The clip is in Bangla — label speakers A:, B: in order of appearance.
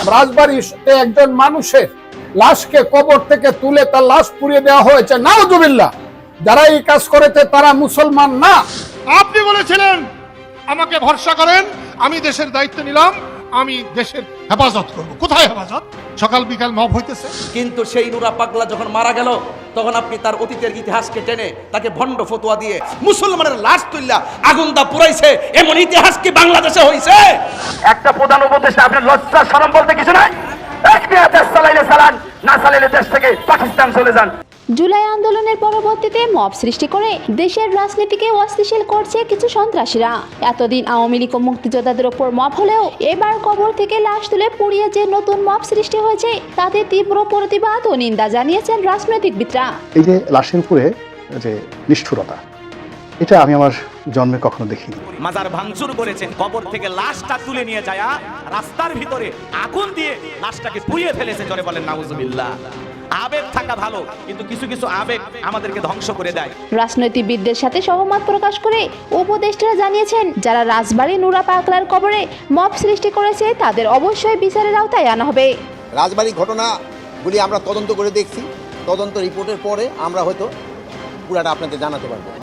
A: রাজবাড়িতে একজন মানুষের লাশকে কবর থেকে তুলে তার লাশ পুড়িয়ে দেওয়া হয়েছে। নাউজুবিল্লাহ। যারা এই কাজ করেছে তারা মুসলমান না।
B: আপনি বলেছিলেন আমাকে ভরসা করেন, আমি দেশের দায়িত্ব নিলাম, আমি দেশের হেফাজত করব। কোথায় হেফাজত? সকাল বিকাল মব হইতেছে।
C: কিন্তু সেই নুরা পাগলা যখন মারা গেল তখন আপনি তার অতীতের ইতিহাসকে টেনে তাকে ভণ্ড ফতোয়া দিয়ে মুসলমানের লাশ তুললা আগুন দা পুরাইছে। এমন ইতিহাস কি বাংলাদেশে হইছে?
D: একটা প্রধান উপদেষ্টা, আপনার লজ্জা শরম বলতে কিছু নাই। দেশ চালাইলে চালান, না চালাইলে দেশ থেকে পাকিস্তান চলে যান।
E: জুলাই আন্দোলনের পরবর্তীতে মব সৃষ্টি করে দেশের রাজনীতিকে অস্থিতিশীল করছে কিছু সন্ত্রাসীরা। এতদিন আওয়ামী লীগ ও মুক্তিযোদ্ধাদের ওপর মব হলেও এবার কবর থেকে লাশ তুলে পুড়িয়ে যে নতুন মব সৃষ্টি হয়েছে তাতে তীব্র প্রতিবাদ ও নিন্দা জানিয়েছেন রাজনৈতিকবিদরা।
F: এই যে লাশের উপরে যে নিষ্ঠুরতা, এটা আমি আমার জন্মে কখনো দেখিনি।
G: মাজার ভাঙচুর করেছেন, কবর থেকে লাশটা তুলে নিয়ে যায় রাস্তার ভিতরে আগুন দিয়ে লাশটাকে পুড়িয়ে ফেলেছে। জোরে বলেন নাউজুবিল্লাহ। আবেগ থাকা ভালো, কিন্তু কিছু কিছু আবেগ আমাদেরকে ধ্বংস করে দেয়।
E: রাজনৈতিকবিদদের সাথে সহমত প্রকাশ করে উপদেষ্টারা জানিয়েছেন, যারা রাজবাড়ী নুরা পাগলার কবরে মব সৃষ্টি করেছে তাদের অবশ্যই বিচারের আওতায় আনা হবে।
H: রাজবাড়ির ঘটনাগুলি আমরা তদন্ত করে দেখছি। তদন্ত রিপোর্টের পরে আমরা হয়তো পুরাটা আপনাদের জানাতে পারবো।